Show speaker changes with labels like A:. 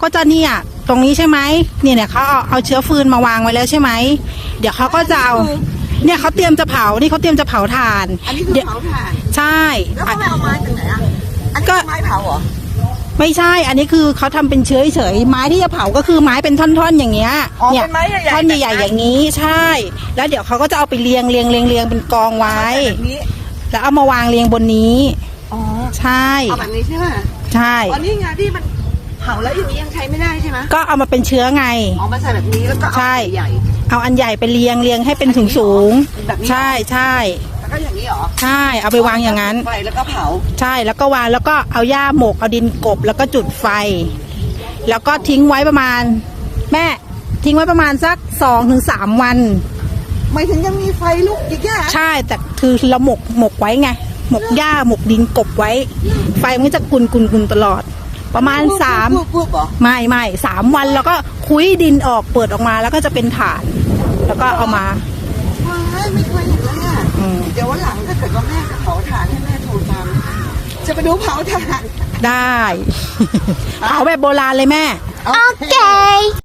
A: ก็จะเนี่ยตรงนี้ใช่ไหมเนี่ยเขาเอาเชื้อฟืนมาวางไว้แล้วใช่ไหมเดี๋ยวเขาก็จะเอาเนี่ยเขาเตรียมจะเผานี่เขาเตรียมจะเผาถ่าน
B: อันนี้คือเผาถ่าน
A: ใช่
B: แล้วเขาไม่เอาไม้จากไหนอ่ะอันนี้ไม้เผาเหรอ
A: ไม่ใช่อันนี้คือเขาทำเป็นเชื้อเฉยไม้ที่จะเผาก็คือไม้เป็นท่อนๆอย่างเงี้ย
B: เนี่ยเป็นไม้ใหญ่ๆ
A: ท่อนใหญ่ๆอย่างนี้ใช่แล้วเดี๋ยวเขาก็จะเอาไปเรียงเป็นกองไว้แล้วเอามาวางเรียงบนนี้
B: อ๋อ
A: ใช่
B: เอาแบบนี้ใช่ไหม
A: ใช่
B: อ๋อนี่ไงที่มันเผาแล้วอย่างนี้ยังใช้ไม่ได้ใช่ไหม
A: ก็เอามาเป็นเชื้อไง
B: อ๋อมาใส่แบบนี้แล้วก็เอาใหญ่
A: เอาอันใหญ่ไปเรียงให้เป็นสูงใช่
B: แล้วก็อย่างนี้เหรอ
A: ใช่เอาไปวางอย่างนั้น
B: ไฟแล้วก็เผา
A: ใช่แล้วก็วางแล้วก็เอาหญ้าหมกเอาดินกบแล้วก็จุดไฟแล้วก็ทิ้งไว้ประมาณแม่ทิ้งไว้ประมาณสัก2-3 วัน
B: ไม่ถึงยังมีไฟลุกอีกแค่
A: ใช่แต่คือเราหมกไว้ไงหมกหญ้าหมกดินกบไว้ไฟมันจะกุนตลอดประมาณไม่3 วันแล้วก็คุ้ยดินออกเปิดออกมาแล้วก็จะเป็นถ่านแล้วก็เอามา
B: ไม่เคยเห็นเลยอ่ะเดี๋ยววันหลังถ้าเกิดว่าแม่จะเผาถ่านให้แม่โทรตามจะไปดูเผาถ่าน
A: ได้เผาแบบโบราณเลยแม่
B: โอเค